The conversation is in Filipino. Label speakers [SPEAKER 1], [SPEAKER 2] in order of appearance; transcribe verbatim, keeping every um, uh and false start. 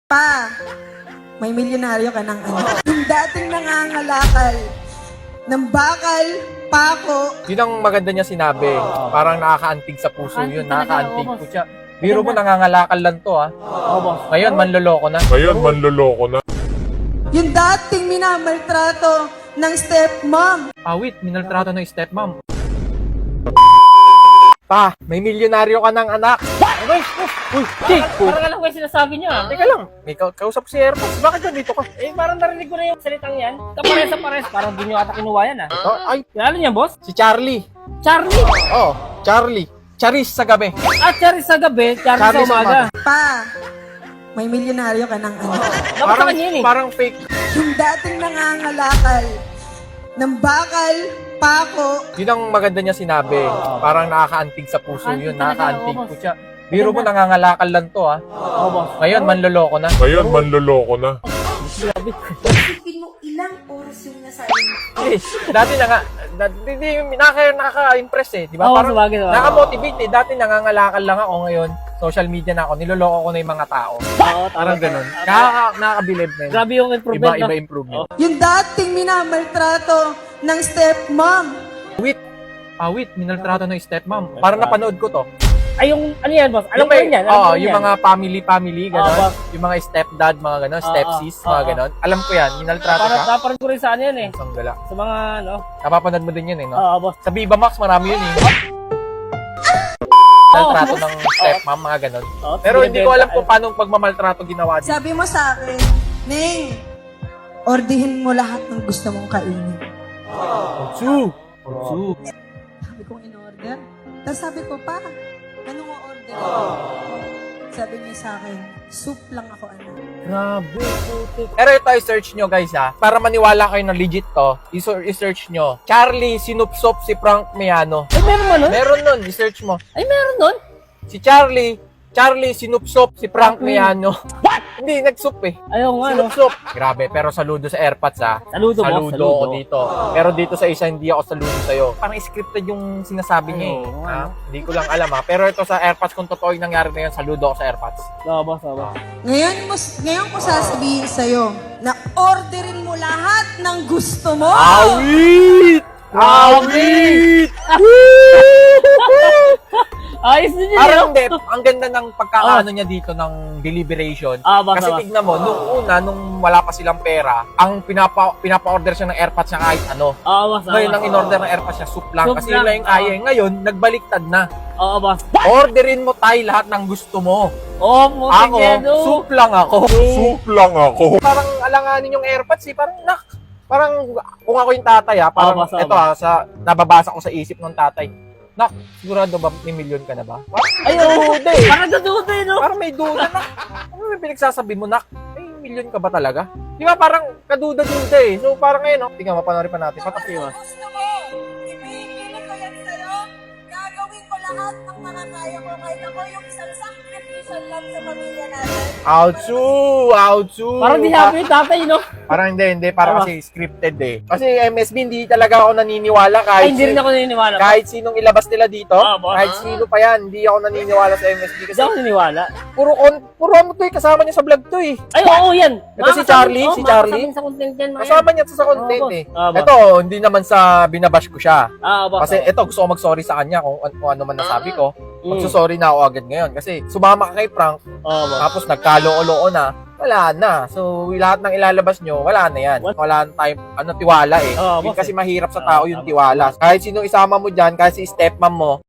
[SPEAKER 1] Pa, may milyonaryo ka ng anak. Yung dating nangangalakal ng bakal, pako.
[SPEAKER 2] Yun ang maganda niya sinabi. Parang nakakaantig sa puso yun. Nakakaantig po siya. Biro mo, nangangalakal lang to, ha? Ngayon, manloloko na.
[SPEAKER 3] Ngayon, manloloko na.
[SPEAKER 1] Yung dating minamaltrato ng stepmom.
[SPEAKER 2] Awit, minaltrato ng stepmom. Pa, may milyonaryo ka ng anak. Ay, uy, Jake, po.
[SPEAKER 4] Parang alam ko yung sinasabi niya.
[SPEAKER 2] Teka lang, may ka kausap si Airpods. Bakit nandito ka?
[SPEAKER 4] Eh, parang narinig ko na yung salitang yan. Kapares sa pares. Parang di nyo ata kinuha yan, ah.
[SPEAKER 2] Oh, ay,
[SPEAKER 4] Kilala niya, boss?
[SPEAKER 2] si Charlie.
[SPEAKER 4] Charlie!
[SPEAKER 2] Oh, Charlie. Charis sa gabi.
[SPEAKER 4] At Charlie sa gabi, Charlie,
[SPEAKER 2] Charlie
[SPEAKER 4] sa
[SPEAKER 2] sa
[SPEAKER 4] umaga.
[SPEAKER 1] Pa, may milyonaryo ka ng anak.
[SPEAKER 4] Dapat sa
[SPEAKER 2] Parang,
[SPEAKER 4] kanya yun, eh.
[SPEAKER 2] parang fake.
[SPEAKER 1] Yung dating nangangalakal ng bakal, pako.
[SPEAKER 2] Yun ang maganda niya sinabi. Parang nakakaantig sa puso yun. Nakakaantig po siya. Biro mo, nangangalakal lang to, ha?
[SPEAKER 4] Oo, boss.
[SPEAKER 2] Ngayon, manloloko na.
[SPEAKER 3] Ngayon, manloloko na.
[SPEAKER 4] Grabe.
[SPEAKER 1] Isipin mo ilang oras yung nasabi mo.
[SPEAKER 2] Eh, dati na nga, dati, di, nakaka, nakaka-impress eh, di ba?
[SPEAKER 4] Oo,
[SPEAKER 2] Parang
[SPEAKER 4] sabagay, sabagay.
[SPEAKER 2] nakamotivate eh. Dati nangangalakal lang ako, ngayon, social media na ako, niloloko ko na yung mga tao.
[SPEAKER 4] Oo,
[SPEAKER 2] Parang
[SPEAKER 4] tama.
[SPEAKER 2] ganun. Nakaka, nakakabilib na yun.
[SPEAKER 4] Grabe yung improvement,
[SPEAKER 2] Iba, iba
[SPEAKER 4] no?
[SPEAKER 2] improvement.
[SPEAKER 1] Yung dating minamaltrato ng stepmom.
[SPEAKER 2] Wait, ah, wait, minaltrato ng stepmom. Parang napanood ko to.
[SPEAKER 4] Ay, yung, ano yan, boss? Alam
[SPEAKER 2] Yung
[SPEAKER 4] ko
[SPEAKER 2] may-
[SPEAKER 4] yun yan. Alam
[SPEAKER 2] Oo,
[SPEAKER 4] ko yun
[SPEAKER 2] yung
[SPEAKER 4] yan.
[SPEAKER 2] mga family-family,
[SPEAKER 4] Oo,
[SPEAKER 2] gano'n.
[SPEAKER 4] boss.
[SPEAKER 2] Yung mga stepdad, mga gano'n,
[SPEAKER 4] Oo,
[SPEAKER 2] stepsis,
[SPEAKER 4] oo,
[SPEAKER 2] mga
[SPEAKER 4] oo.
[SPEAKER 2] gano'n. Alam ko yan, minaltrato
[SPEAKER 4] Parang,
[SPEAKER 2] ka.
[SPEAKER 4] parang ko rin sa ano yan, eh.
[SPEAKER 2] Isang gala.
[SPEAKER 4] Sa mga, ano.
[SPEAKER 2] Napapanood mo din yun eh, no?
[SPEAKER 4] Oo, boss.
[SPEAKER 2] Sa Viva Max, marami yun eh. Maltrato ng stepmom, mga gano'n.
[SPEAKER 4] Oo,
[SPEAKER 2] Pero hindi ko alam kung paano pagmamaltrato ginawa din.
[SPEAKER 1] Sabi mo sa akin, Neng, ordihin mo lahat ng gusto mong kainin.
[SPEAKER 2] Otsu! Otsu!
[SPEAKER 1] Sabi kong in-order. Tapos sabi ko, pa, anong o-order? Sabi niya sa akin, soup lang ako, anak.
[SPEAKER 2] Grabe, putik. Pero ito, i-search nyo guys ha. Para maniwala kayo na legit to, i- i-search nyo. Charlie sinupsop si Frank Miano.
[SPEAKER 4] Ay, meron mo nun?
[SPEAKER 2] Meron nun, i-search mo.
[SPEAKER 4] Ay, meron nun?
[SPEAKER 2] Si Charlie, Charlie sinupsop si Frank
[SPEAKER 4] Frank
[SPEAKER 2] Miano. What? Hindi, nagsup eh.
[SPEAKER 4] Ayaw nga, no?
[SPEAKER 2] Sinupsop. Grabe, pero saludo sa AirPods ha.
[SPEAKER 4] Saludo, boss.
[SPEAKER 2] Saludo ako dito. Pero dito sa isa, hindi ako saludo sa'yo. Parang scripted yung sinasabi niya eh.
[SPEAKER 4] Oo,
[SPEAKER 2] Ha? Hindi ko lang alam ha. Pero ito sa AirPods, kung totoo yung nangyari na yun, saludo ako sa AirPods.
[SPEAKER 4] Oo, boss, oo, boss.
[SPEAKER 1] Ngayon, mo, ngayon ko sasabihin sa'yo na orderin mo lahat ng gusto mo.
[SPEAKER 2] Awit! Awit!
[SPEAKER 4] Ayos din yun,
[SPEAKER 2] Parang
[SPEAKER 4] no?
[SPEAKER 2] hindi, ang ganda ng pagkakaano niya dito ng deliberation.
[SPEAKER 4] Ah, baka,
[SPEAKER 2] Kasi
[SPEAKER 4] baka.
[SPEAKER 2] tignan mo, nung una, nung wala pa silang pera, ang pinapa, pinapa-order siya ng AirPods niya kahit ano.
[SPEAKER 4] Oo, boss, oo,
[SPEAKER 2] Ngayon,
[SPEAKER 4] boss.
[SPEAKER 2] ang in-order ng AirPods niya, soup lang.
[SPEAKER 4] Soup
[SPEAKER 2] Kasi
[SPEAKER 4] lang,
[SPEAKER 2] yun lang yung kaya.
[SPEAKER 4] oo.
[SPEAKER 2] Ngayon, nagbaliktad na.
[SPEAKER 4] Oo, boss.
[SPEAKER 2] Orderin mo tayo lahat ng gusto mo.
[SPEAKER 4] Oo, putik
[SPEAKER 2] Ako,
[SPEAKER 4] yan, no?
[SPEAKER 2] soup lang ako.
[SPEAKER 3] Soup lang ako.
[SPEAKER 2] Parang alanganin yung AirPods eh. Parang, nak, parang kung ako yung tatay ha, parang
[SPEAKER 4] Oo, boss, oo,
[SPEAKER 2] ito ha, sa, nababasa ko sa isip ng tatay. Nak, sigurado ba may milyon ka na ba?
[SPEAKER 4] Ay,
[SPEAKER 2] Parang
[SPEAKER 4] oo.
[SPEAKER 2] duda eh.
[SPEAKER 4] Parang dududa, eh, no?
[SPEAKER 2] Parang may duda na. Ano may pinagsasabi mo, nak? May milyon ka ba talaga? Di ba parang kaduda-duda eh. So parang ngayon, no? Tingnan, mapanoorin pa natin. Patak yun.
[SPEAKER 1] Gusto mo, ibigilin ko yan sa'yo. Gagawin ko lahat ng mga kaya ko. Kahit ako yung isang sacrificial lang sa pamilya natin.
[SPEAKER 2] Outsu! Outsu!
[SPEAKER 4] Parang di happy yung tatay, no?
[SPEAKER 2] Parang hindi, hindi. Parang
[SPEAKER 4] Tama.
[SPEAKER 2] kasi scripted eh. Kasi M S B, hindi talaga ako naniniwala kahit,
[SPEAKER 4] Ay, hindi rin ako naniniwala. boss.
[SPEAKER 2] kahit sinong ilabas nila dito.
[SPEAKER 4] Ah, boss.
[SPEAKER 2] kahit sino pa yan, hindi ako naniniwala sa M S B.
[SPEAKER 4] Hindi
[SPEAKER 2] Kasi
[SPEAKER 4] ako naniniwala.
[SPEAKER 2] puro, on, puro ano to eh, kasama niya sa vlog to eh.
[SPEAKER 4] Ay, oo, yan.
[SPEAKER 2] Ito si
[SPEAKER 4] Makakasama-
[SPEAKER 2] Charlie,
[SPEAKER 4] oo,
[SPEAKER 2] si Charlie.
[SPEAKER 4] makakasama sa content yan, mga
[SPEAKER 2] Kasama niya to sa content
[SPEAKER 4] Ah, boss.
[SPEAKER 2] eh.
[SPEAKER 4] Ah, boss.
[SPEAKER 2] Ito, hindi naman sa binabash ko siya.
[SPEAKER 4] yan. Ah, boss.
[SPEAKER 2] Kasi ito, gusto ko mag-sorry sa kanya kung, kung ano man nasabi ko.
[SPEAKER 4] Mm.
[SPEAKER 2] Magsusorry na ako agad ngayon. Kasi sumama ka kay Frank,
[SPEAKER 4] Oo, boss.
[SPEAKER 2] tapos nagkaloo-loo na, wala na. So, lahat ng ilalabas nyo, wala na yan.
[SPEAKER 4] What?
[SPEAKER 2] Wala na tayong ano, tiwala eh.
[SPEAKER 4] Oo,
[SPEAKER 2] Yun
[SPEAKER 4] boss,
[SPEAKER 2] kasi
[SPEAKER 4] eh.
[SPEAKER 2] mahirap sa
[SPEAKER 4] Oo,
[SPEAKER 2] tao yung
[SPEAKER 4] tama.
[SPEAKER 2] tiwala. Kahit sino isama mo dyan, kahit si stepmom mo,